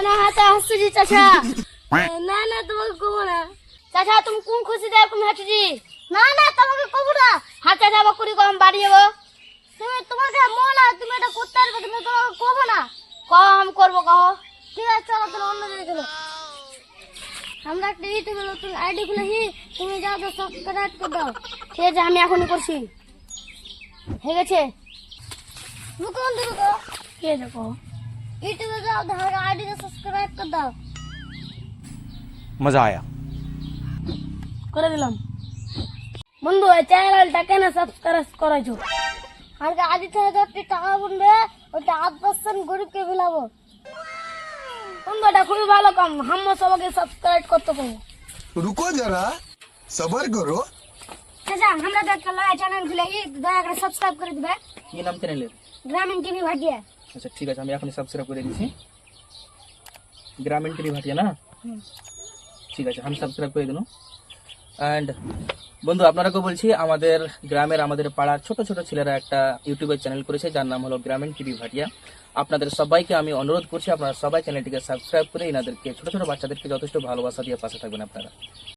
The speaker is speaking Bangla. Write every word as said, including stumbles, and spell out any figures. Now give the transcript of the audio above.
না হাতে হাসছি চাচা। না না তোমাকে কব না চাচা, তুমি কোন খুশিতে এরকম হাঁটছি? না না তোমাকে কব না। হাতে যাবো কুড়ি কম বাড়ি যাবো। তুমি তোমাকে মন আর তুমি এটা করতে পারবে, তুমি তোমাকে কব না। কহ আমি করবো, কহ। ঠিক আছে চলো তুমি অন্য জায়গায় চলো। আমরা একটা ইউটিউবে নতুন আইডি খুলেছি, তুমি যাও তো সাবস্ক্রাইব করে দাও। ঠিক আছে আমি এখনই করছি। হয়ে গেছে? রুকো রুকো, কে দেখো ইউটিউবে যাও, ধারে আইডিতে সাবস্ক্রাইব করে দাও। मजा आया। করে দিলাম। বন্ধু এই চ্যানেলটা কেন সাবস্ক্রাইব করেছো? আর আদি থেকে যত টাকা বলবে ওটা আট পার্সেন্ট গরিবকে বিলাবো। বন্ধু এটা খুবই ভালো কাম, আমরা সবাইকে সাবস্ক্রাইব করতে পারবো। रुको जरा सबर करो। আচ্ছা আমরা তো একটা নয়া চ্যানেল খুলেছি, দয়া করে সাবস্ক্রাইব করে দিবে। কি নাম চ্যানেলের? গ্রামীণ টিভি ভাটিয়া। আচ্ছা ঠিক আছে, আমি এখনই সাবস্ক্রাইব করে দিচ্ছি। গ্রামীণ টিভি ভাটিয়া না? ঠিক আছে, আমি সাবস্ক্রাইব করে দিলাম। অ্যান্ড বন্ধু আপনারাকেও বলছি, আমাদের গ্রামের আমাদের পাড়ার ছোট ছোট ছেলেরা একটা ইউটিউবের চ্যানেল করেছে যার নাম হলো গ্রামীণ টিভি ভাটিয়া। আপনাদের সবাইকে আমি অনুরোধ করছি আপনারা সবাই চ্যানেলটিকে সাবস্ক্রাইব করে এনাদেরকে ছোট ছোট বাচ্চাদেরকে যথেষ্ট ভালোবাসা দিয়ে পাশে থাকবেন আপনারা।